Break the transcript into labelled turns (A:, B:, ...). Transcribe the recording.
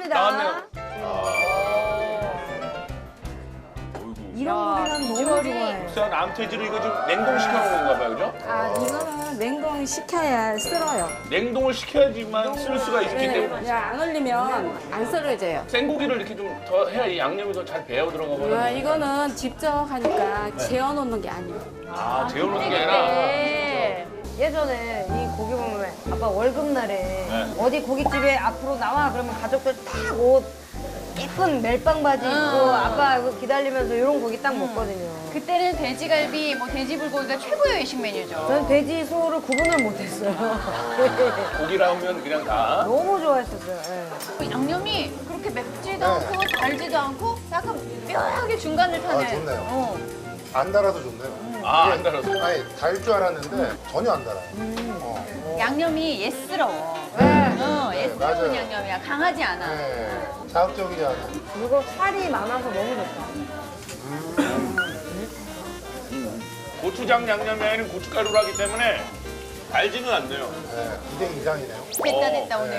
A: 나왔네요.
B: 이런 거 난 너무 좋아해.
A: 자, 남태지로 이거 좀 냉동시켜 놓은 건가 봐요, 그죠?
B: 아, 이거는 냉동 시켜야 쓸어요.
A: 냉동을 시켜야지만 쓸 수가 있기 때문에.
B: 네, 안 올리면 안 썰어져요.
A: 생고기를 이렇게 좀 더 해야 이 양념이 더 잘 배어 들어가거든요.
B: 아, 이거는 직접 하니까 재워놓는 게 아니에요.
A: 아, 재워놓는 게 아니라.
C: 네. 예전에 이 고기 보면 아빠 월급날에
A: 네.
C: 어디 고깃집에 앞으로 나와 그러면 가족들 딱 옷 예쁜 멜빵 바지 입고 아빠 이거 기다리면서 이런 고기 딱 먹거든요.
D: 그때는 돼지갈비, 뭐 돼지불고기가 최고의 외식 메뉴죠.
C: 저는 돼지 소를 구분을 못했어요.
A: 고기라면 그냥 다.
C: 너무 좋아했었어요. 예.
D: 양념이 그렇게 맵지도 않고 달지도 않고 약간 묘하게 중간을 타네.
E: 아, 좋네요.
D: 어.
E: 안 달아도 좋네요.
A: 아, 안 달아서.
E: 아니, 달 줄 알았는데 전혀 안 달아요.
D: 양념이 예스러워. 예스러운
E: 맞아요.
D: 양념이야. 강하지 않아.
E: 네, 자극적이지 않아요.
C: 그리고 살이 많아서 너무 좋다.
A: 고추장 양념에는 고춧가루를 하기 때문에 달지는 않네요.
E: 네, 2대 이상이네요.
D: 됐다 오늘.